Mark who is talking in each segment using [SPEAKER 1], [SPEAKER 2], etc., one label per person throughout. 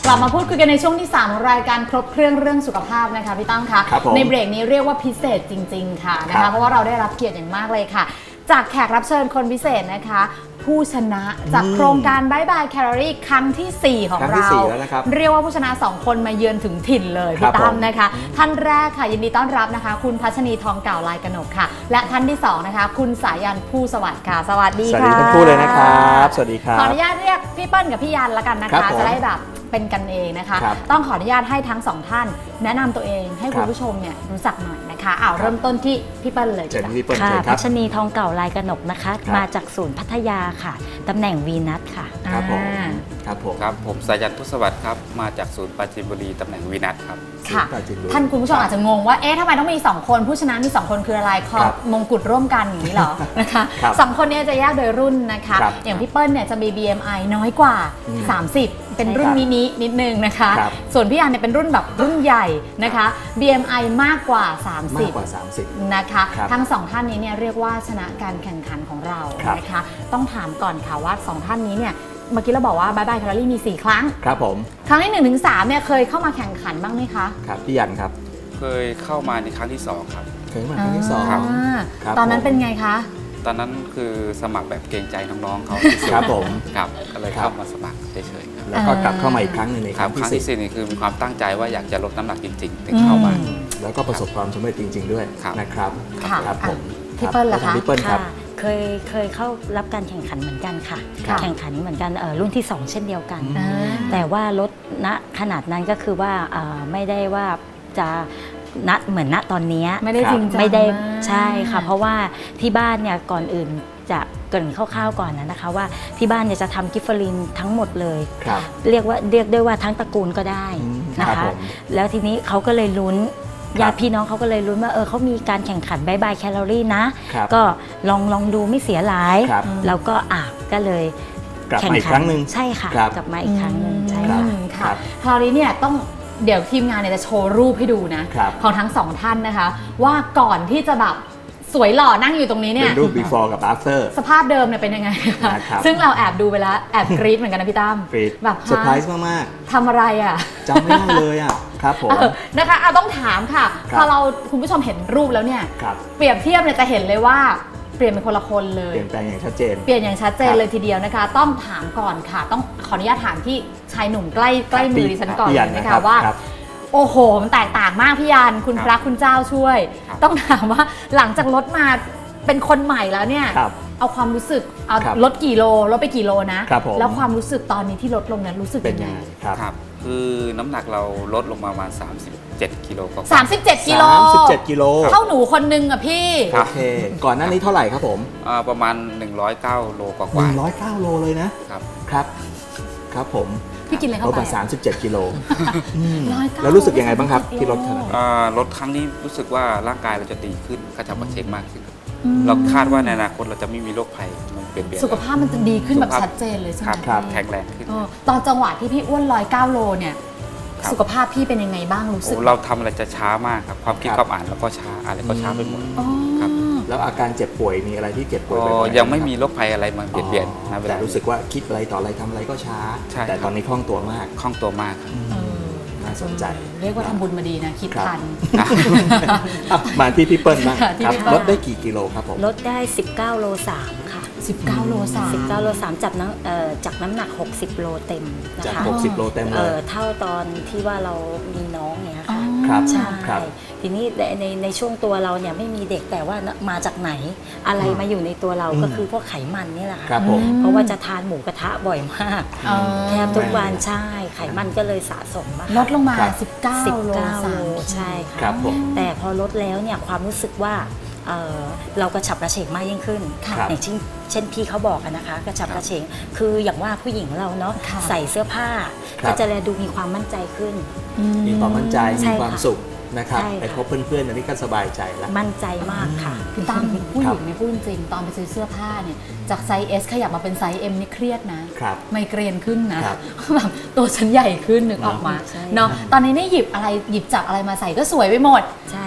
[SPEAKER 1] ลับมาพูดคุยกันในช่วงที่3ของรายการครบเครื่องเรื่องสุขภาพนะคะพี่ตั้มคะในเบรกนี้เรียกว่าพิเศษจริงๆค่ะนะคะเพราะว่าเราได้รับเกียรติอย่างมากเลยค่ะจากแขกรับเชิญคนพิเศษนะคะผู้ชนะจากโครงการบายบายแคลอรี่ครั้งที่4ของเราเรียกว่าผู้ชนะ2คนมาเยือนถึงถิ่นเลยพี่ตั้มนะคะท่านแรกค่ะยินดีต้อนรับนะคะคุณพัชนีทองเก่าลายกนกค่ะและท่านที่2นะคะคุณสายันผู้สวัสดิ์ค่ะสวัสดีค่ะ
[SPEAKER 2] สวัสดีทั้งคู่เลยนะครับสวัสดีครับ
[SPEAKER 1] ขออนุญาตเรียกพี่เปิ้ลกับพี่ยันละกันนะคะจะได้แบบเป็นกันเองนะคะต้องขออนุญาตให้ทั้ง2ท่านแนะนำตัวเองให้คุณผู้ชมเนี่ยรู้จักหน่อยนะคะเริ่มต้นที่พี่เปิ้ลเลย
[SPEAKER 3] ค่ะพัชนีทองเก่าลายกนกนะคะมาจากศูนย์พัทยาค่ะตำแหน่งวีนัทค่ะ
[SPEAKER 2] ครับผมครับ
[SPEAKER 4] ผมสายันพุทธสวัสดิ์ครับมาจากศูนย์ปราจีนบุรีตำแหน่งวีนัทครับ
[SPEAKER 1] ค่ะท่านคุณผู้ชมอาจจะงงว่าเอ๊ะทำไมต้องมี2คนผู้ชนะมี2คนคืออะไรครอบมงกุฎร่วมกันอย่างนี้เหรอนะคะ2คนนี้จะแยกโดยรุ่นนะคะอย่างพี่เปิ้ลเนี่ยจะมี BMI น้อยกว่า30เป็นรุ่นมินินิดนึงนะคะส่วนพี่อันเนี่ยเป็นรุ่นแบบรุ่นใหญ่นะคะ BMI มากกว่า30นะคะทั้ง2ท่านนี้เนี่ยเรียกว่าชนะการแข่งขันของเรานะคะต้องถามก่อนค่ะว่า2ท่านนี้เนี่ยเมื่อกี้เราบอกว่าบายบายแคลอรี่มี4ครั้ง
[SPEAKER 2] ครับผม
[SPEAKER 1] ครั้งที่1 ถึง 3เนี่ยเคยเข้ามาแข่งขันบ้างไหมคะ
[SPEAKER 2] ครับพี่ยันครับ
[SPEAKER 4] เคยเข้ามาในครั้งที่2ครับ
[SPEAKER 2] เคยมาครั้งที่2ครับ
[SPEAKER 1] ตอนนั้นเป็นไงคะ
[SPEAKER 4] ตอนนั้นคือสมัครแบบเกรงใจน้องๆเขา
[SPEAKER 2] ครับผม
[SPEAKER 4] ครับก็เลยเข้ามาสมัครเฉยๆครับ
[SPEAKER 2] แล้วก็กลับเข้ามาอีกครั้งหนึ่งใน
[SPEAKER 4] ครั้งที่4นี่คือมีความตั้งใจว่าอยากจะลดน้ำหนักจริงๆถึงเข้ามา
[SPEAKER 2] แล้วก็ประสบความสำเร็จจริงๆด้วยนะครับครับผม
[SPEAKER 1] พี่เปิ้ลล่ะคะ
[SPEAKER 2] พี่เปิ้ลครับ
[SPEAKER 3] เคยเข้ารับการแข่งขันเหมือนกันค่ะแข่งขันเหมือนกันรุ่นที่2เช่นเดียวกันแต่ว่าลดณขนาดนั้นก็คือว่าไม่ได้ว่าจะเหมือนณตอนนี้
[SPEAKER 1] ไม่ได้จริงจัง
[SPEAKER 3] ไม่ได้ใช่ค่ะเพราะว่าที่บ้านเนี่ยก่อนอื่นจะเกริ่นคร่าวๆก่อนนะคะว่าที่บ้านเนี่ยจะทำกิฟเฟอรินทั้งหมดเลยเรียกได้ว่าทั้งตระกูลก็ได้นะคะแล้วทีนี้เขาก็เลยลุ้นญาติพี่น้องเขาก็เลยลุ้นว่าเขามีการแข่งขันบายบายแคลอรี่นะก็ลองดูไม่เสียหลายแล้วก็ก็เลย
[SPEAKER 2] กลับมาอีกครั้งหนึ่ง
[SPEAKER 3] ใช่ค่ะกลับมาอีกครั้งหนึ่งใช่
[SPEAKER 1] ค่ะคราวนี้เนี่ยต้องเดี๋ยวทีมงานเนี่ยจะโชว์รูปให้ดูนะของทั้ง2ท่านนะคะว่าก่อนที่จะแบบสวยหล่อนั่งอยู่ตรงนี้เนี่ย
[SPEAKER 2] เป็นรูป before กับ after
[SPEAKER 1] สภาพเดิมเนี่ยเป็นยังไงคะซึ่งเราแอบดูไปแล้วแอบกรี๊ดเหมือนกันนะพี่ตั้ม
[SPEAKER 2] แบบเซอร์ไพรส์มาก
[SPEAKER 1] ๆทำอะไรอ่ะ
[SPEAKER 2] จำไม่ได้เลยอ่ะครับผม
[SPEAKER 1] นะคะต้องถามค่ะพอเราคุณผู้ชมเห็นรูปแล้วเนี่ยเปรียบเทียบเนี่ยจะเห็นเลยว่าเปลี่ยนเป็นคนละคนเลย
[SPEAKER 2] เปลี่ยนแปลงอย่างชัดเจน
[SPEAKER 1] เลยทีเดียวนะคะต้องถามก่อนค่ะต้องขออนุญาตถามที่ชายหนุ่มใกล้มือดิฉันก่อนนะคะว่าโอ้โหมันแตกต่างมากพี่ยันคุณพระคุณเจ้าช่วยต้องถามว่าหลังจากลดมาเป็นคนใหม่แล้วเนี่ยเอาความรู้สึกเอาลดกี่โลลดไปกี่โลนะแล้วความรู้สึกตอนนี้ที่ลดลงนั้นรู้สึกยังไง
[SPEAKER 4] ครับคือน้ำหนักเราลดลงมาประมาณ37 กิโลก็
[SPEAKER 1] 37 กิโลเท่าหนูคนนึงอะพี่
[SPEAKER 2] โอเคก่อนหน้านี้เท่าไหร่ครับผม
[SPEAKER 4] ประมาณ109 โลกว่า
[SPEAKER 2] 109 โลเลยนะครับผม
[SPEAKER 1] พี่กินอะไรเข้าไป
[SPEAKER 2] 37 กิโลแล้วรู้สึกยังไงบ้างครับที่ลดขนาดนี้
[SPEAKER 4] ลดครั้งนี้รู้สึกว่าร่างกายเราจะดีขึ้นกระฉับกระเฉงมากขึ้นเราคาดว่าในอนาคตเราจะไม่มีโรคภัยมันเปลี่ยน
[SPEAKER 1] สุขภาพมันจะดีขึ้นแบบชัดเจนเลยใช่ไหม
[SPEAKER 4] ครับแข็งแรงขึ้น
[SPEAKER 1] ตอนจังหวะที่พี่อ้วน109 โลเนี่ยสุขภาพพี่เป็นยังไงบ้างรู้สึก
[SPEAKER 4] เราทำอะไรจะช้ามากครับความคิดความอ่านแล้วก็ช้าอะไรก็ช้าไปหมดครับ
[SPEAKER 2] แล้วอาการเจ็บป่วยมีอะไรที่เจ็บป่วย
[SPEAKER 4] ยังไม่มีโรคภัยอะไรมาเปลี่ยน
[SPEAKER 2] นะเวลารู้สึกว่าคิดอะไรต่ออะไรทำอะไรก็ช้าแต่ตอนนี้คล่องตัวมากน่าสนใจ
[SPEAKER 1] เรียกว่าทำบุญมาดีนะคิดทัน
[SPEAKER 2] มาที่พี่เปิ้ลบ้างครับลดได้กี่กิโลครับผม
[SPEAKER 3] ลดได้19 โล 3ค่ะ
[SPEAKER 1] 19 โล
[SPEAKER 3] 3จากน้ำหนัก60 โลเต็มนะคะ
[SPEAKER 2] จาก60 โลเต็มเลย
[SPEAKER 3] เท่าตอนที่ว่าเรามีน้องเนี่ยค่ะ
[SPEAKER 2] ครับ
[SPEAKER 3] ใช่ทีนี้ในช่วงตัวเราเนี่ยไม่มีเด็กแต่ว่ามาจากไหนอะไรมาอยู่ในตัวเราก็คือพวกไขมันนี่แหละค่ะเพราะว่าจะทานหมูกระทะบ่อยมากแทบทุกวันใช่ไขมันก็เลยสะสมมาก
[SPEAKER 1] ลดลงมา19 โล
[SPEAKER 3] ใช่ค่ะแต่พอลดแล้วเนี่ยความรู้สึกว่าเรากระฉับกระเฉงมากยิ่งขึ้นอย่างเช่นพี่เขาบอกกันนะคะกระฉับกระเฉงคืออย่างว่าผู้หญิงเราเนาะใส่เสื้อผ้าก็จะดูมีความมั่นใจขึ้น
[SPEAKER 2] มีความมั่นใจมีความสุขนะครับไปพบเพื่อนๆอันนี้ก็สบายใจแล้ว
[SPEAKER 3] มั่นใจมากค่ะ
[SPEAKER 1] พี่ตั้มผู้หญิงในพูดจริงตอนไปซื้อเสื้อผ้าเนี่ยจากไซส์ S ขยับมาเป็นไซส์ M นี่เครียดนะไมเกรนขึ้นนะแบบตัวฉันใหญ่ขึ้นนึกออกมาเนาะตอนนี้นี่หยิบจับอะไรมาใส่ก็สวยไปหมด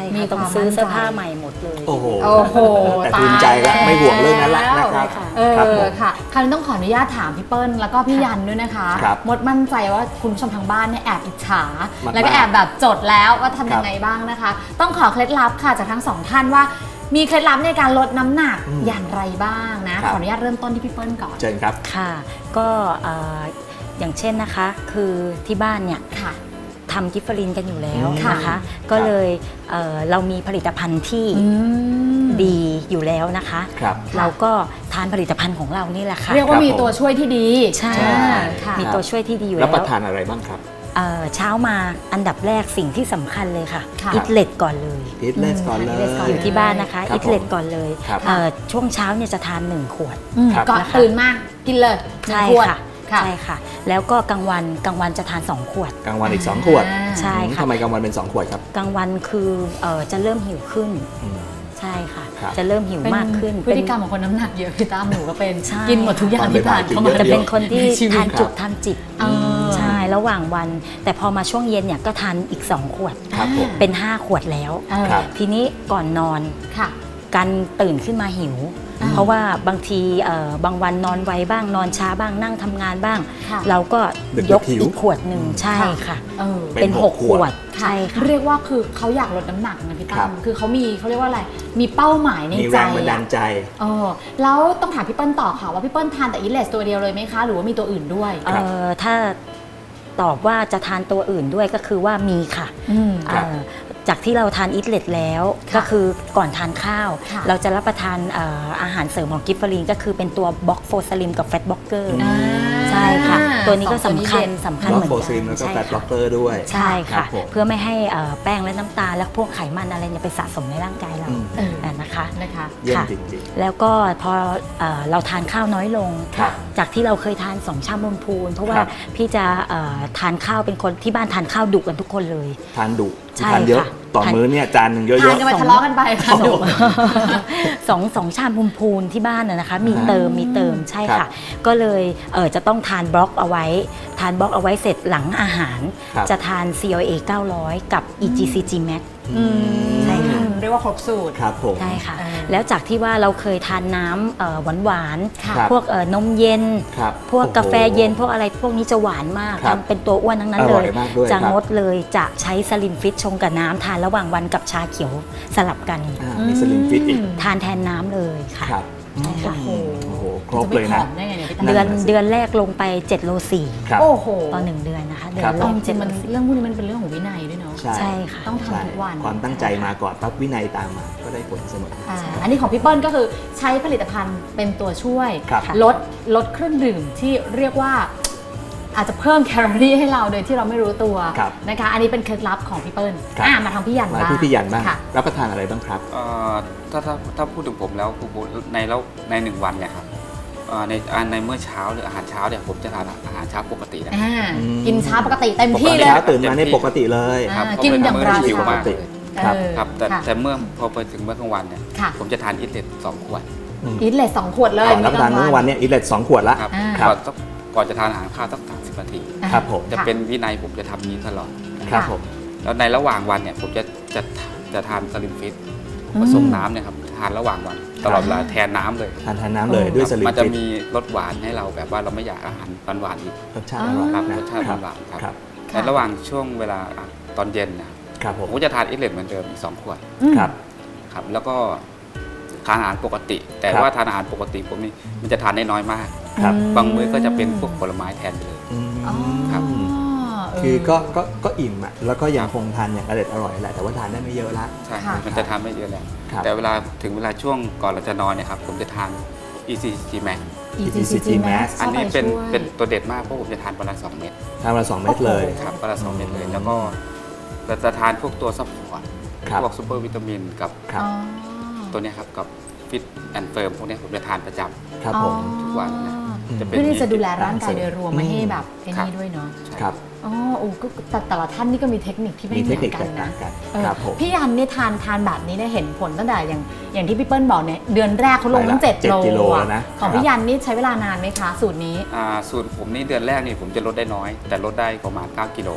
[SPEAKER 1] มี
[SPEAKER 3] ค่ะ
[SPEAKER 1] ความ
[SPEAKER 3] ต้องซื้อเสื้อผ้า
[SPEAKER 1] มั่นใจ
[SPEAKER 3] ใหม่หมดเลย
[SPEAKER 2] โอ้โห
[SPEAKER 1] โอ้โห
[SPEAKER 2] แต่ภูมิใจแล้วไม่ห่วงเรื่องนั้นละนะครับ
[SPEAKER 1] เอ
[SPEAKER 2] ครับผ
[SPEAKER 1] อ
[SPEAKER 2] ม
[SPEAKER 1] ค่ะคราวนี้ต้องขออนุญาตถามพี่เปิ้ลแล้วก็พี่ยันด้วยนะคะ
[SPEAKER 2] ครับ
[SPEAKER 1] มดมั่นใจว่าคุณผู้ชมทางบ้านเนี่ยแอบอิจฉา
[SPEAKER 2] มากๆ
[SPEAKER 1] แล้วก็แอบแบบจดแล้วว่าทำยังไงบ้างนะคะ ต้องขอเคล็ดลับค่ะจากทั้งสองท่านว่า มีเคล็ดลับในการลดน้ำหนักอย่างไรบ้างนะ ขออนุญาตเริ่มต้นที่พี่เปิ้ลก่อน
[SPEAKER 2] เชิญครับ
[SPEAKER 3] ค่ะก็อย่างเช่นนะคะคือที่บ้านเนี่ย
[SPEAKER 1] ค่ะ
[SPEAKER 3] ทำกิฟเฟอรินกันอยู่แล้ว
[SPEAKER 1] ค่ะ
[SPEAKER 3] นะคะ ก็เลยเรามีผลิตภัณฑ์ที่ดีอยู่แล้วนะคะ
[SPEAKER 2] ครับ
[SPEAKER 3] เราก็ทานผลิตภัณฑ์ของเรานี่แหละค่ะ
[SPEAKER 1] เรียกว่ามี
[SPEAKER 2] ครับผม
[SPEAKER 1] ตัวช่วยที่ดี
[SPEAKER 3] ใช่
[SPEAKER 1] ค่ะ
[SPEAKER 3] มีตัวช่วยที่ดีอยู่
[SPEAKER 2] แล้ว
[SPEAKER 3] แล้ว
[SPEAKER 2] ประทานอะไรบ้างครับ
[SPEAKER 3] เช้ามาอันดับแรกสิ่งที่สำคัญเลยค่ะ
[SPEAKER 1] ค่ะ
[SPEAKER 3] อิทเลตก่อนเลย
[SPEAKER 2] อิทเลสก่อนเล
[SPEAKER 1] อิทเลสก่อน
[SPEAKER 2] ย
[SPEAKER 3] อยู่ที่บ้านนะคะ
[SPEAKER 2] ครับ
[SPEAKER 3] อิทเลตก่อนเลย
[SPEAKER 2] ครับ
[SPEAKER 3] ช่วงเช้าเนี่ยจะทาน1 ขวด
[SPEAKER 2] ครับ
[SPEAKER 1] ก่อน
[SPEAKER 3] นะคะ
[SPEAKER 1] ตื่นมากินเลยหนึ่ง
[SPEAKER 3] ใช่
[SPEAKER 1] ขวด
[SPEAKER 3] ค่ะ
[SPEAKER 1] ค่ะ
[SPEAKER 3] ใช่ค่ะ แล้วก็กลางวันจะทาน2 ขวด
[SPEAKER 2] กลางวันอีก 2 ขวด
[SPEAKER 3] ใช่ค่ะ
[SPEAKER 2] ทำไมกลางวันเป็น 2 ขวดครับ
[SPEAKER 3] กลางวันคือจะเริ่มหิวขึ้น
[SPEAKER 2] อืม
[SPEAKER 3] ใช่ค่ะ
[SPEAKER 2] ครับ
[SPEAKER 3] จะเริ่มหิวมากขึ้น
[SPEAKER 1] พฤติกรรมของคนน้ำหนักเยอะพี่ตั้มหนูก็เป็น
[SPEAKER 3] ใช่
[SPEAKER 1] กินหมดทุกอย่างที่ผ่านเข้ามา
[SPEAKER 2] ตอนบ่ายๆ
[SPEAKER 3] จะเป็นคนที่
[SPEAKER 1] ในชีวิต
[SPEAKER 3] ทานจุกทานจิบ
[SPEAKER 1] เออ
[SPEAKER 3] ใช่ระหว่างวัน แต่พอมาช่วงเย็นเนี่ยก็ทานอีก2 ขวด
[SPEAKER 2] ครับผม
[SPEAKER 3] เป็น5 ขวดแล้ว
[SPEAKER 1] เออ
[SPEAKER 2] ครับ
[SPEAKER 3] ทีนี้ก่อนนอน
[SPEAKER 1] ค่ะ
[SPEAKER 3] การตื่นขึ้นมาหิว
[SPEAKER 1] อ่า
[SPEAKER 3] เพราะว่าบางทีบางวันนอนไวบ้างนอนช้าบ้างนั่งทำงานบ้าง
[SPEAKER 1] ค่ะ
[SPEAKER 3] เราก็
[SPEAKER 2] ดึกๆ
[SPEAKER 3] ยก
[SPEAKER 2] หิว
[SPEAKER 3] อีกขวดหนึ่งใช่ค่ะ
[SPEAKER 1] เออ
[SPEAKER 3] เป็น
[SPEAKER 2] เป็น
[SPEAKER 3] 6
[SPEAKER 2] 6
[SPEAKER 3] ขวด
[SPEAKER 1] ค่ะ
[SPEAKER 3] ใช่ค่ะ
[SPEAKER 1] เรียกว่าคือเขาอยากลดน้ำหนักนะพี่
[SPEAKER 2] ครั
[SPEAKER 1] ตั้
[SPEAKER 2] บ
[SPEAKER 1] มคือเขาเรียกว่าอะไร มีเป้าหมายใน
[SPEAKER 2] มี
[SPEAKER 1] ใจ
[SPEAKER 2] แรงบันดาลใจ
[SPEAKER 1] เออแล้วต้องถามพี่เปิ้ลต่อค่ะว่าพี่เปิ้ลทานแต่อีเลสตัวเดียวเลยไหมคะ หรือว่ามีตัวอื่นด้วย
[SPEAKER 2] ครับ
[SPEAKER 3] ถ้าตอบว่าจะทานตัวอื่นด้วยก็คือว่ามีค่ะ
[SPEAKER 2] ครับ
[SPEAKER 3] จากที่เราทานอิทเลตแล้ว
[SPEAKER 1] ค่ะ
[SPEAKER 3] ก็คือก่อนทานข้าว
[SPEAKER 1] ค่ะ
[SPEAKER 3] เราจะรับประทานอาหารเสริมของกิฟเฟอรีนก็คือเป็นตัวบล็อกโฟสลิมกับแฟตบล็อกเกอร์
[SPEAKER 2] อ่า
[SPEAKER 3] ใช่ค่ะ ตัวนี้ก็
[SPEAKER 1] สอง
[SPEAKER 3] สำ
[SPEAKER 1] ตัว
[SPEAKER 3] คัญ
[SPEAKER 1] เด่น
[SPEAKER 3] สำคัญ
[SPEAKER 2] บล็อ
[SPEAKER 3] เห
[SPEAKER 2] ก
[SPEAKER 3] มือน
[SPEAKER 2] โฟซิม
[SPEAKER 3] กั
[SPEAKER 2] แล้วก็
[SPEAKER 3] ใช่
[SPEAKER 2] แฟตบล็
[SPEAKER 3] ค่ะ
[SPEAKER 2] อกเกอร์ด้วย
[SPEAKER 3] ใช่ค่ะ
[SPEAKER 2] ครับผม
[SPEAKER 3] เพื่อไม่ให้แป้งและน้ำตาลและพวกไขมันอะไรเนี่ยไปสะสมในร่างกายเรา
[SPEAKER 2] อืม
[SPEAKER 1] เออ
[SPEAKER 3] นะคะ
[SPEAKER 1] นะคะ
[SPEAKER 2] เยี่ยม
[SPEAKER 3] ค่ะ
[SPEAKER 2] จริง
[SPEAKER 3] แล้วก็พอเราทานข้าวน้อยลง
[SPEAKER 2] ครับ
[SPEAKER 3] จากที่เราเคยทาน2 ชามบนพูนเพราะว่า
[SPEAKER 2] ครับ
[SPEAKER 3] พี่จะทานข้าวเป็นคนที่บ้านทานข้าวดุกันทุกคนเลย
[SPEAKER 2] ๆ ทานดุ
[SPEAKER 3] ใช่
[SPEAKER 2] ทานเยอะ
[SPEAKER 3] ค่ะ
[SPEAKER 2] ต่อ
[SPEAKER 3] ทาน
[SPEAKER 2] มื้อเนี่ยจานหนึ่งเย
[SPEAKER 1] ทาน
[SPEAKER 2] อะ
[SPEAKER 1] กันไปทะเลาะกันไปค่ะดุ
[SPEAKER 3] สองชามพูนที่บ้านนะคะ มีเติมใช่
[SPEAKER 2] ครั
[SPEAKER 3] ค่ะ
[SPEAKER 2] บ
[SPEAKER 3] ก็เลยจะต้องทานบล็อกเอาไว้ ทานบล็อกเอาไว้เสร็จหลังอาหาร
[SPEAKER 2] ครับ
[SPEAKER 3] จะทาน CLA 900 กับ EGCG Max
[SPEAKER 1] อืม
[SPEAKER 3] ใช่ค่ะ
[SPEAKER 1] เรียกว่าครบสูตร
[SPEAKER 2] ครับผม
[SPEAKER 3] ใช่ค่ะ
[SPEAKER 1] เออ
[SPEAKER 3] แล้วจากที่ว่าเราเคยทานน้ำหวาน
[SPEAKER 1] ค่ะ
[SPEAKER 2] ครับ
[SPEAKER 3] พวกนมเย็น
[SPEAKER 2] ครับ
[SPEAKER 3] พวก
[SPEAKER 2] โอ้โห
[SPEAKER 3] กาแฟเย็นพวกอะไรพวกนี้จะหวานมาก
[SPEAKER 2] ครับ
[SPEAKER 3] ทำเป็นตัวอ้วนทั้งนั้น
[SPEAKER 2] อ
[SPEAKER 3] เล
[SPEAKER 2] ร่อย
[SPEAKER 3] ย
[SPEAKER 2] มากด้วย
[SPEAKER 3] จะ
[SPEAKER 2] ครับ
[SPEAKER 3] งดเลยจะใช้สลิมฟิตชงกับน้ำทานระหว่างวันกับชาเขียวสลับกัน
[SPEAKER 2] มีสลิมฟิตอีก
[SPEAKER 3] ทานแทนน้ำเลยค่ะ
[SPEAKER 2] ครับ
[SPEAKER 3] ใช่ค่ะ
[SPEAKER 2] โอ้โหครบ
[SPEAKER 1] จะ
[SPEAKER 2] เล
[SPEAKER 1] ไม่
[SPEAKER 2] ย
[SPEAKER 1] ผ
[SPEAKER 2] นะ
[SPEAKER 1] อมได้ไงเนี่ยพี่ตั้ม
[SPEAKER 3] เดือน
[SPEAKER 2] นั่นน่ะสิ
[SPEAKER 3] เดือนแรกลงไป7 โล
[SPEAKER 2] ครับ
[SPEAKER 1] โอ้โห
[SPEAKER 3] 4ต่อ1 เดือนนะคะเดือ
[SPEAKER 2] ครั
[SPEAKER 3] น
[SPEAKER 2] บ
[SPEAKER 3] แร
[SPEAKER 1] ต้อง
[SPEAKER 3] ก
[SPEAKER 1] จริง
[SPEAKER 3] 7
[SPEAKER 1] มัน
[SPEAKER 3] โล
[SPEAKER 1] เรื่องพวกนี้มันเป็นเรื่องของวินัยด้วยเนาะ
[SPEAKER 3] ใช่ค่ะ
[SPEAKER 1] ต้องทำ
[SPEAKER 2] ใช่
[SPEAKER 1] ทุกวัน
[SPEAKER 2] ความตั้งใจมาก่อนปั๊บวินัยตามมาก็ได้ผลเสมอ
[SPEAKER 1] อันนี้ของพี่เปิ้ลก็คือใช้ผลิตภัณฑ์เป็นตัวช่วย
[SPEAKER 2] ครับ
[SPEAKER 1] ลดเครื่องดื่มที่เรียกว่า อาจจะเพิ่มแคลอรี่ให้เราโดยที่เราไม่รู้ตัว
[SPEAKER 2] ครับ
[SPEAKER 1] นะคะ อันนี้เป็นเคล็ดลับของพี่เปิ้ล
[SPEAKER 2] ครับ
[SPEAKER 1] มาทางพี่ยัน
[SPEAKER 2] มา
[SPEAKER 1] บ้าง
[SPEAKER 2] ที่พี่ยันบ้าง
[SPEAKER 1] ค่ะ
[SPEAKER 2] รับประทานอะไรบ้างครับ
[SPEAKER 4] ถ้าพูดถึงผมแล้วคือในหนึ่งวันเนี่ยครับในเมื่อเช้าหรืออาหารเช้าเนี่ยผมจะทานอาหารเช้าปกตินะ
[SPEAKER 1] กินช้าปกติเต็มที่เลย
[SPEAKER 2] เช้าตื่นมาในปกติเลย
[SPEAKER 1] อ่ากินอย่างรา
[SPEAKER 4] หิว
[SPEAKER 1] ชา
[SPEAKER 4] มากเลย
[SPEAKER 2] ครับ
[SPEAKER 4] ครับแต่
[SPEAKER 1] ค่ะ
[SPEAKER 4] แต่เมื่อพอไปถึงเมื่อกลางวันเนี่ย
[SPEAKER 1] ค่ะ
[SPEAKER 4] ผมจะทานอิทเลต2 ขวด
[SPEAKER 1] อิทเลส2 ขวดเลย
[SPEAKER 2] ก่อนรับประทานมื้อวันเนี่ยอิทเลต2 ขวดละ
[SPEAKER 4] ครับ
[SPEAKER 2] ครับ
[SPEAKER 4] ก่อนจะทานอาหารข้าวสัก30 นาที
[SPEAKER 2] ครับผม
[SPEAKER 4] จะเป็นวินัยผมจะทำนี้ตลอดนะ
[SPEAKER 2] ค
[SPEAKER 4] ครับ
[SPEAKER 2] รับผม
[SPEAKER 4] แล้วในระหว่างวันเนี่ยผมจะทานสลิมฟิตผสมน้ำเนี่ยครับทานระหว่างวันตลอดเวลาแทนน้ำเลย
[SPEAKER 2] ทานน้ำเลยด้วยสลิม
[SPEAKER 4] มันจะ
[SPEAKER 2] ฟิต
[SPEAKER 4] มีรสหวานให้เราแบบว่าเราไม่อยากอาหารหวานๆอีก
[SPEAKER 2] รสชาติอร่อย
[SPEAKER 4] ครับ
[SPEAKER 2] นะ
[SPEAKER 4] รสชาติ
[SPEAKER 2] ครับ
[SPEAKER 4] หวานๆครับ
[SPEAKER 2] ครับ
[SPEAKER 4] ในระหว่างช่วงเวลาตอนเย็นนะครับ
[SPEAKER 2] ครับผ
[SPEAKER 4] ผม มก็จะทานอิทเลตเหมือนเดิมอีก2 ขวด
[SPEAKER 2] ครับ
[SPEAKER 4] ครับแล้วก็ทานอาหารปกติ แต่
[SPEAKER 2] ครับ
[SPEAKER 4] ว่าทานอาหารปกติผมนี่มันจะทานได้น้อยมาก
[SPEAKER 2] ครับ
[SPEAKER 4] บางมื้อก็จะเป็นพวกผลไม้แทนไปเลย
[SPEAKER 2] อืม
[SPEAKER 4] ครับ
[SPEAKER 2] คือก็อิ่มอ่ะแล้วก็ยังคงทานอย่างอร่อยแหละแต่ว่าทานได้ไม่เยอะละ
[SPEAKER 4] ใช่
[SPEAKER 1] ค่ะ
[SPEAKER 4] มันจะทานไม่เยอะแล้ว
[SPEAKER 2] ครับ
[SPEAKER 4] แต่เวลาถึงเวลาช่วงก่อนเราจะนอนเนี่ยครับผมจะทาน ECG Max
[SPEAKER 2] EGCG Max
[SPEAKER 4] อันนี้เป็น
[SPEAKER 1] ข้าไช่วย
[SPEAKER 4] เป็นตัวเด็ดมากเพราะผมจะทานวันละ2 เม็ด
[SPEAKER 2] ทานวันละ2 เม็ดเลย
[SPEAKER 4] ครับวันละ2 เม็ดเลยแล้วก็เราจะทานพวกตัวซัพพอร์ต
[SPEAKER 2] ครับ
[SPEAKER 4] พวกซูเปอร์วิตามินกับ
[SPEAKER 2] ครับ
[SPEAKER 1] อ๋อ
[SPEAKER 4] ตัวเนี้ยครับกับฟิตแอนด์เฟิร์มพวกเนี้ยผมจะทานประจำ
[SPEAKER 2] ครับผม
[SPEAKER 4] ทุกวันนะ จะเป็น
[SPEAKER 1] เพื่อที่จะดูแลร่างกายโดยรวมไม่ให้แบบไอ้
[SPEAKER 4] ครับ
[SPEAKER 1] นี่ด้วยเนาะ
[SPEAKER 4] ใช่
[SPEAKER 2] ครับ
[SPEAKER 1] อ๋อโอ้ก็แต่ละท่านนี่ก็มีเทคนิคที่ไม่
[SPEAKER 2] มี
[SPEAKER 1] เห
[SPEAKER 2] เท
[SPEAKER 1] มื
[SPEAKER 2] ค
[SPEAKER 1] อ
[SPEAKER 2] นิคน
[SPEAKER 1] กั
[SPEAKER 2] แต
[SPEAKER 1] น
[SPEAKER 2] ก
[SPEAKER 1] นะ
[SPEAKER 2] ต่างกัน
[SPEAKER 1] เออ
[SPEAKER 2] ครับผม
[SPEAKER 1] พี่ยันเนี่ยทานแบบนี้ได้เห็นผลตั้งแต่อย่างที่พี่เปิ้ลบอกเนี่ยเดือนแรกเขาลงตั้ง
[SPEAKER 2] ไปละ
[SPEAKER 1] 7 โล
[SPEAKER 2] 7 กิโล
[SPEAKER 1] อะ
[SPEAKER 2] แล้วนะ
[SPEAKER 1] ของ
[SPEAKER 2] ครับ
[SPEAKER 1] พี่ยันนี่ใช้เวลานานไหมคะ สูตรนี้
[SPEAKER 4] สูตรผมนี่เดือนแรกนี่ผมจะลดได้น้อย แต่ลดได้ประมาณ9 กิโล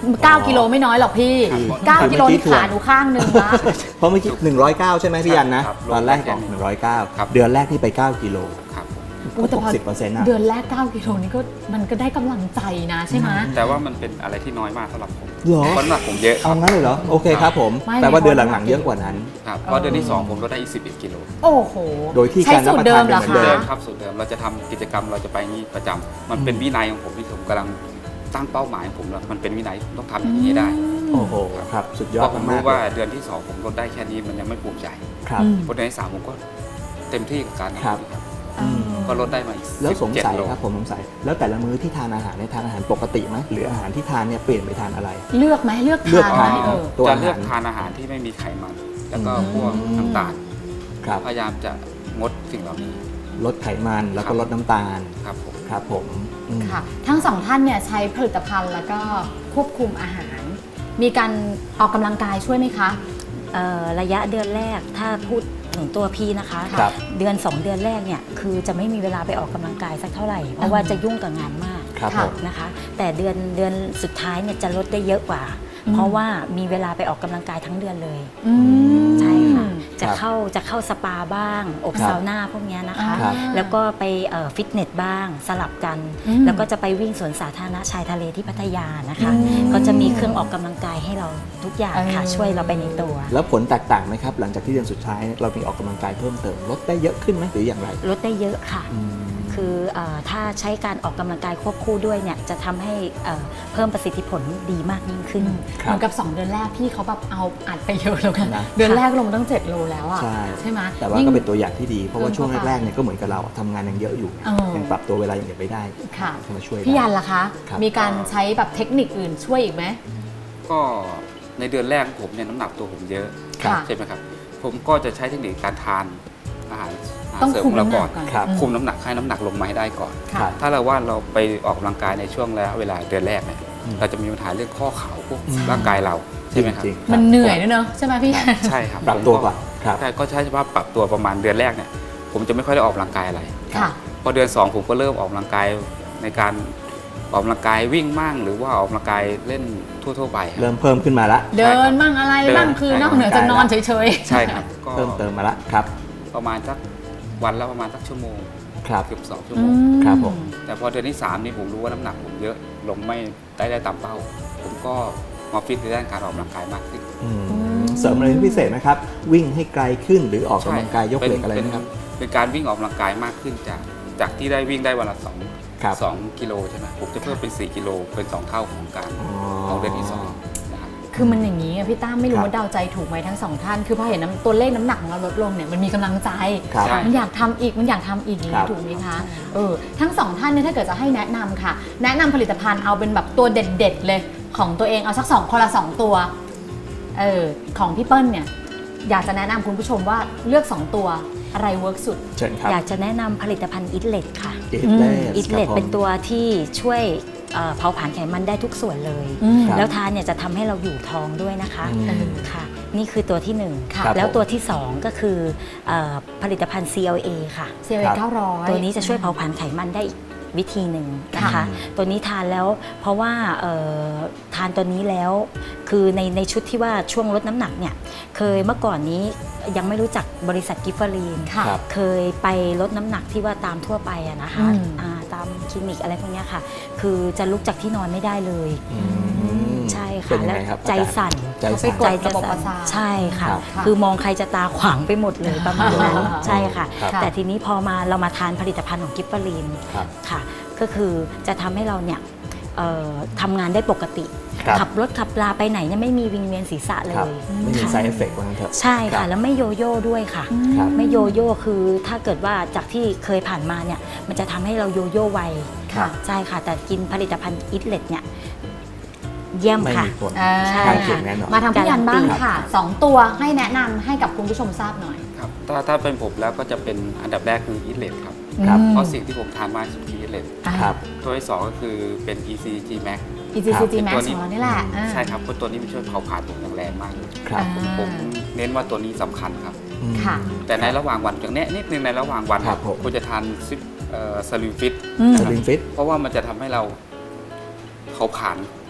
[SPEAKER 1] 9 กิโลไม่น้อยหรอกพี่ 9 กิโลนี่ขาหนูข้างหนึ่งละ
[SPEAKER 2] เพราะเมื่อกี้109 ใช่ไหมพี่ยันนะ
[SPEAKER 4] ครับ
[SPEAKER 2] ตอนแรกบอก
[SPEAKER 4] ครับ
[SPEAKER 2] 109 เดือนแรกที่ไป 9 กิโล
[SPEAKER 4] ครับ
[SPEAKER 1] อุ๊ยแต่พอ
[SPEAKER 2] 60%นะ
[SPEAKER 1] เดือนแรก 9 กิโลนี่ก็มันก็ได้กำลังใจนะใช่ไหม
[SPEAKER 4] แต่ว่ามันเป็นอะไรที่น้อยมากสำหรับผม
[SPEAKER 2] เหรอ
[SPEAKER 4] เพราะน้ำหนักผมเยอะค
[SPEAKER 2] เอา
[SPEAKER 4] รับ
[SPEAKER 2] งั้นเลยเหรอ โอเคครับผม
[SPEAKER 1] ไม่
[SPEAKER 2] แต่ว่า
[SPEAKER 1] ไม่
[SPEAKER 2] เดือนหลังๆเยอะกว่านั้น
[SPEAKER 4] ครับเพราะเดือนที่ 2 ผมลดได้อีก11 กิโล
[SPEAKER 1] โอ้โห
[SPEAKER 2] โดยที่
[SPEAKER 1] ใช้
[SPEAKER 2] การรับ
[SPEAKER 1] สูต
[SPEAKER 2] ประ
[SPEAKER 1] รเดิ
[SPEAKER 2] ทาน
[SPEAKER 1] มเหรอ
[SPEAKER 2] เป็นเหมือน
[SPEAKER 1] คะ
[SPEAKER 2] เดิ
[SPEAKER 4] เดิมครับสูตรเดิมเราจะทำกิจกรรมเราจะไปนี้ประจำมันเป็นวินัยของผมที่ผมกำลังตั้งเป้าหมายของผมแล้วมันเป็นวินัยต้องทำอย่างนี้ให้ได้
[SPEAKER 2] โอ้โหครับสุดย
[SPEAKER 4] เพ
[SPEAKER 2] อด
[SPEAKER 4] ราะผม
[SPEAKER 2] มาก
[SPEAKER 4] รู้
[SPEAKER 2] ๆ
[SPEAKER 4] ว่า
[SPEAKER 2] เลย
[SPEAKER 4] เดือนที่ 2 ผมลดได้แค่นี้มันยังไม่ภูมิใจ
[SPEAKER 2] ครับ
[SPEAKER 1] อืม
[SPEAKER 4] เพราะเดือนที่ 3 ผมก็เต็มที่กับการ
[SPEAKER 2] ครับ
[SPEAKER 4] ครับ
[SPEAKER 2] อืม
[SPEAKER 4] ก็ลดได้มาอีก
[SPEAKER 2] แล้วสงสัย
[SPEAKER 4] 17 โล
[SPEAKER 2] ครับผมสงสัยแล้วแต่ละมื้อที่ทานอาหารเนี่ยทานอาหารปกติไหมหรืออาหารที่ทานเนี่ยเปลี่ยนไปทานอะไร
[SPEAKER 1] เลือกไหมเลือก
[SPEAKER 2] เลือก
[SPEAKER 1] ทานไหม
[SPEAKER 2] ทาน
[SPEAKER 1] เออ
[SPEAKER 2] ตัว
[SPEAKER 4] จะ
[SPEAKER 2] อาหาร
[SPEAKER 4] เลือกทานอาหารที่ไม่มีไขมัน แล้วก็พวก
[SPEAKER 2] อืม
[SPEAKER 4] น้ำตาล
[SPEAKER 2] ครับ
[SPEAKER 4] พยายามจะงดสิ่งเหล่านี้
[SPEAKER 2] ลดไขมันแล้วก็ลดน้ำตาล
[SPEAKER 4] ครับผม
[SPEAKER 2] ครับผมอืม
[SPEAKER 1] ค่ะ ทั้งสองท่านเนี่ยใช้ผลิตภัณฑ์แล้วก็ควบคุมอาหาร มีการออกกำลังกายช่วยไหมคะ
[SPEAKER 3] ระยะเดือนแรกถ้าพูดถึงตัวพี่นะคะ
[SPEAKER 2] ครับ
[SPEAKER 3] เดือน 2 เดือนแรกเนี่ยคือจะไม่มีเวลาไปออกกำลังกายสักเท่าไหร่ เพราะว่าจะยุ่งกับงานมาก
[SPEAKER 2] ครับ
[SPEAKER 1] ค่ะ
[SPEAKER 2] ผม
[SPEAKER 3] นะคะ แต่เดือนสุดท้ายเนี่ยจะลดได้เยอะกว่า
[SPEAKER 1] อืม
[SPEAKER 3] เพราะว่ามีเวลาไปออกกำลังกายทั้งเดือนเลย
[SPEAKER 1] อืม
[SPEAKER 3] ใช่ค่ะ จะ
[SPEAKER 2] ครับ
[SPEAKER 3] เข้าสปาบ้าง อบ
[SPEAKER 2] ครับ
[SPEAKER 3] ซาวน่าพวกเนี้ยนะคะ
[SPEAKER 2] ครับ
[SPEAKER 3] แล้วก็ไปฟิตเนสบ้างสลับกัน
[SPEAKER 1] อืม
[SPEAKER 3] แล้วก็จะไปวิ่งสวนสาธารณะชายทะเลที่พัทยานะคะ
[SPEAKER 1] อืม
[SPEAKER 3] ก็จะมีเครื่องออกกำลังกายให้เราทุกอย่างค่ะ ช่วยเราไปในตัว
[SPEAKER 2] แล้วผลแตกต่างไหมครับ หลังจากที่เดือนสุดท้ายเรามีออกกำลังกายเพิ่มเติมลดได้เยอะขึ้นไหมหรืออย่างไร
[SPEAKER 3] ลดได้เยอะค่ะ
[SPEAKER 2] อืม
[SPEAKER 3] คือถ้าใช้การออกกำลังกายควบคู่ด้วยเนี่ยจะทำให้เพิ่มประสิทธิผลดีมากยิ่งขึ้น
[SPEAKER 2] ครับ
[SPEAKER 1] เหมือนกับ 2 เดือนแรกพี่เขาแบบเอาอัดไปเยอะแล้วกัน
[SPEAKER 2] นะ
[SPEAKER 1] เดือนแรกลงตั้ง 7 โลแล้วอ่ะ
[SPEAKER 2] ใช่
[SPEAKER 1] ไหม
[SPEAKER 2] แต่ว่า
[SPEAKER 1] ยิ่ง
[SPEAKER 2] ก็เป็นตัวอย่างที่ดี เพราะว่าช่วง
[SPEAKER 1] เพิ่มเข้าไป
[SPEAKER 2] แรกๆเนี่ยก็เหมือนกับเราทำงานยังเยอะอยู่
[SPEAKER 1] เออ
[SPEAKER 2] ยังปรับตัวเวลายังไม่ได้
[SPEAKER 1] ค่ะ
[SPEAKER 2] เข้ามาช่วย
[SPEAKER 1] พี่ยัน
[SPEAKER 2] ได้
[SPEAKER 1] ล่ะคะ
[SPEAKER 2] ครับ
[SPEAKER 1] มีการใช้แบบเทคนิคอื่นช่วยอีกไหม
[SPEAKER 4] ก็ในเดือนแรกของผมเนี่ยน้ำหนักตัวผมเยอะ
[SPEAKER 1] ค่ะ
[SPEAKER 4] ใช่ไหมครับ ผมก็จะใช้เทคนิคการทานอาหาร
[SPEAKER 1] ต้อง
[SPEAKER 4] เสริม
[SPEAKER 1] คุ
[SPEAKER 4] ข
[SPEAKER 1] ม
[SPEAKER 4] องเรา
[SPEAKER 1] น้ำห
[SPEAKER 4] ก่
[SPEAKER 1] นั
[SPEAKER 4] อก น
[SPEAKER 1] ก่อน
[SPEAKER 2] ครับ
[SPEAKER 4] คุมน้ำหนักให้น้ำหนักลงมาให้ได้ก่อน
[SPEAKER 1] ค่ะ
[SPEAKER 2] ครับ
[SPEAKER 4] ถ้าเราว่าเราไปออกกำลังกายในช่วงระยะเวลาเดือนแรกเนี่ย
[SPEAKER 2] อืม
[SPEAKER 4] เราจะมีปัญหาเรื่องข้อเข่าพวก
[SPEAKER 2] อืม
[SPEAKER 4] ร่างกายเราใช่ไหมครับ
[SPEAKER 2] จริงๆ
[SPEAKER 1] มันเหนื่อยด้วยเนอะใช่ไหมพี่ยัน
[SPEAKER 4] ใช่ครับ
[SPEAKER 2] ปรับตัวก่อนครับ
[SPEAKER 4] ใช่ก็ใช้เฉพาะปรับตัวประมาณเดือนแรกเนี่ยผมจะไม่ค่อยได้ออกกำลังกายอะไร
[SPEAKER 1] ค่ะ
[SPEAKER 4] พอเดือน 2 ผมก็เริ่มออกกำลังกายในการออกกำลังกายวิ่งมั่งหรือว่าออกกำลังกายเล่นทั่วๆไปครับ
[SPEAKER 2] เริ่มเพิ่มขึ้นมาละ
[SPEAKER 1] เดินบ้างอะไรบ้าง
[SPEAKER 4] เดิน
[SPEAKER 1] คือนอกเหนือจากนอนเฉย
[SPEAKER 4] ใช่ครับก็
[SPEAKER 2] เพิ่มเติมมาละครับ
[SPEAKER 4] ประมาณสักวันละประมาณสักชั่วโมง
[SPEAKER 2] ครับ
[SPEAKER 4] เกือบ2 ชั่ว
[SPEAKER 1] ๆ
[SPEAKER 4] โมง
[SPEAKER 2] ครับผม
[SPEAKER 4] แต่พอเดือนที่ 3 นี่ผมรู้ว่าน้ำหนักผมเยอะลงไม่ได้ตามเป้า ผมก็มาฟิตในด้านการออกกำลังกายมากขึ้น
[SPEAKER 2] อืมเสริมอะไรพิเศษไหมครับ วิ่งให้ไกลขึ้นหรือออกกำลังกายยกเหล็กอะไรนะครับ
[SPEAKER 4] เป็นการวิ่งออกกำลังกายมากขึ้นจากที่ได้วิ่งได้วันละ
[SPEAKER 2] ครับ
[SPEAKER 4] 2กิโลใช่ไหมผมจะเพิ่มเป็น4กิโลเป็น2เท่าของการ
[SPEAKER 2] อ๋อ
[SPEAKER 4] ของเดือนที่2นะครับ
[SPEAKER 1] คือมันอย่างนี้อะพี่ตั้มไม่รู้
[SPEAKER 2] ครับ
[SPEAKER 1] ว่าเดาใจถูกไหมทั้งสองท่าน คือพอเห็นตัวเลขน้ำหนักของเราลดลงเนี่ยมันมีกำลังใจ
[SPEAKER 2] ครับ
[SPEAKER 4] ใช่
[SPEAKER 1] มันอยากทำอีกมันอยากทำอีกอย่าง
[SPEAKER 2] ครั
[SPEAKER 1] นี้
[SPEAKER 2] บ
[SPEAKER 1] ถูกไหมคะทั้งสองท่านเนี่ยถ้าเกิดจะให้แนะนำค่ะ แนะนำผลิตภัณฑ์เอาเป็นแบบตัวเด็ดๆเลยของตัวเองเอาสักคนละ 2 ตัวของพี่เปิ้ลเนี่ยอยากจะแนะนำคุณผู้ชมว่าเลือก 2 ตัวอะไรเวิร์กสุด
[SPEAKER 2] เชิญครับ
[SPEAKER 3] อยากจะแนะนำผลิตภัณฑ์อิทเลตค่ะ
[SPEAKER 2] อิทเลส
[SPEAKER 3] อิทเลตเป็นตัวที่ช่วยเผาผลาญไขมันได้ทุกส่วนเลย
[SPEAKER 1] อืม
[SPEAKER 2] ครับ
[SPEAKER 3] แล้วทานเนี่ยจะทำให้เราอยู่ท้องด้วยนะคะ
[SPEAKER 2] อืม
[SPEAKER 3] ค่ะ นี่คือตัวที่หนึ่ง
[SPEAKER 1] ค่ะ
[SPEAKER 2] ครับ
[SPEAKER 3] แล้ว
[SPEAKER 2] ผม
[SPEAKER 3] ตัวที่ 2 ก็คือผลิตภัณฑ์ CLA ค่ะ
[SPEAKER 1] เซเว่
[SPEAKER 2] ครับ
[SPEAKER 1] 900
[SPEAKER 3] ตัวนี้จะช่วยเผาผลาญไขมันได้อีกวิธีหนึ่งนะคะ
[SPEAKER 2] ค่ะ
[SPEAKER 3] ตัวนี้ทานแล้วเพราะว่าทานตัวนี้แล้วคือในชุดที่ว่าช่วงลดน้ำหนักเนี่ยเคยเมื่อก่อนนี้ยังไม่รู้จักบริษัทกิฟเฟอรีน
[SPEAKER 1] ค่ะ
[SPEAKER 2] ครับ
[SPEAKER 3] เคยไปลดน้ำหนักที่ว่าตามทั่วไปอะนะคะ
[SPEAKER 1] อืม
[SPEAKER 3] ตามคลินิกอะไรพวกเนี้ยค่ะ คือจะลุกจากที่นอนไม่ได้เลย
[SPEAKER 2] อืม
[SPEAKER 3] ใช่
[SPEAKER 2] เป็
[SPEAKER 3] ค่ะ
[SPEAKER 2] นยัง
[SPEAKER 3] แล้ว
[SPEAKER 2] ไงครับ
[SPEAKER 3] ใจ
[SPEAKER 2] อาจารย์
[SPEAKER 3] สั่น
[SPEAKER 2] ใจ
[SPEAKER 1] เขาไป
[SPEAKER 2] สั่น
[SPEAKER 1] กด
[SPEAKER 3] ใจจะ
[SPEAKER 1] ระบบประ
[SPEAKER 3] สั่น
[SPEAKER 1] สาท
[SPEAKER 3] ใช่ค่ะ
[SPEAKER 2] ครับ
[SPEAKER 1] ค่ะ
[SPEAKER 3] คือมองใครจะตาขวางไปหมดเลยประมาณนั้น
[SPEAKER 2] อ๋อ
[SPEAKER 3] ใช่ค่ะ
[SPEAKER 2] ครับ
[SPEAKER 3] แต่ทีนี้พอเรามาทานผลิตภัณฑ์ของกิฟเฟอรีน
[SPEAKER 2] ครับ
[SPEAKER 3] ค่ะ ก็คือจะทำให้เราเนี่ยทำงานได้ปกติ
[SPEAKER 2] ครับ
[SPEAKER 3] ขับรถขับลาไปไหนเนี่ยไม่มีวิงเวียนศีรษะเล
[SPEAKER 2] ครับ
[SPEAKER 3] ย
[SPEAKER 2] ไม่มี
[SPEAKER 3] ค่ะ
[SPEAKER 2] ไซเอฟเฟกต์ว่างั้นเถอะ
[SPEAKER 3] ใช่
[SPEAKER 2] ครั
[SPEAKER 3] ค่ะ
[SPEAKER 2] บ
[SPEAKER 3] แล้วไม่โยโย่ด้วยค่ะ
[SPEAKER 2] ครับ
[SPEAKER 3] ไม่โยโย่คือถ้าเกิดว่าจากที่เคยผ่านมาเนี่ยมันจะทำให้เราโยโย่ไว
[SPEAKER 2] ครับ
[SPEAKER 3] ใช่ค่ะ แต่กินผลิตภัณฑ์อิทเลตเนี่ยเยี่ยม
[SPEAKER 2] ไม่
[SPEAKER 3] ค่ะ
[SPEAKER 2] มีผล
[SPEAKER 3] ใช่
[SPEAKER 2] ข้างเคียงแน่นอน
[SPEAKER 1] มาทางพี่ยันบ้าง
[SPEAKER 3] ครับ
[SPEAKER 1] ค่ะ 2 ตัวให้แนะนำให้กับคุณผู้ชมทราบหน่อย
[SPEAKER 4] ครับถ้าเป็นผมแล้วก็จะเป็นอันดับแรกคืออีทเลตครับ
[SPEAKER 2] ครับ
[SPEAKER 4] เพราะสิ่งที่ผมทานมากที่สุดคืออีทเลต
[SPEAKER 2] ครับ
[SPEAKER 4] ตัวที่ 2 ก็คือเป็น ECG Max
[SPEAKER 1] ECG
[SPEAKER 4] เป็น
[SPEAKER 1] Max
[SPEAKER 4] ตัวนี้
[SPEAKER 1] ของเรานี่แหละอ่า
[SPEAKER 4] ใช่ครับเพราะตัวนี้มันช่วยเผาผลาญผมอย่างแรงมากเลย
[SPEAKER 2] ครับ
[SPEAKER 4] ผมเน้นว่าตัวนี้สำคัญครับ
[SPEAKER 2] อืม
[SPEAKER 1] ค่ะ
[SPEAKER 4] แต่ในระหว่างวันอย่างเนี้ยนิดนึงในระหว่างวัน
[SPEAKER 2] ครับผม
[SPEAKER 4] ควรจะทานสลิมฟิต
[SPEAKER 1] อืม
[SPEAKER 2] สลิมฟิต
[SPEAKER 4] เพราะว่ามันจะทำให้เราเผาผลาญ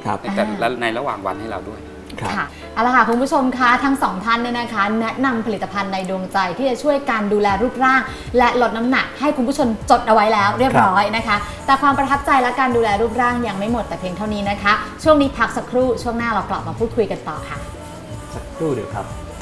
[SPEAKER 2] ครับ
[SPEAKER 4] และในระหว่างวันให้เราด้วย
[SPEAKER 2] ครับ
[SPEAKER 1] ค่ะเอาละค่ะคุณผู้ชมคะทั้งสองท่านเนี่ยนะคะ แนะนำผลิตภัณฑ์ในดวงใจที่จะช่วยการดูแลรูปร่าง และลดน้ำหนักให้คุณผู้ชมจดเอาไว้แล้วเรียบร้อยนะคะ แต่ความประทับใจและการดูแลรูปร่างยังไม่หมดแต่เพียงเท่านี้นะคะ ช่วงนี้พักสักครู่ช่วงหน้าเรากลับมาพูดคุยกันต่อค่ะ
[SPEAKER 2] สักครู่เดียวครับ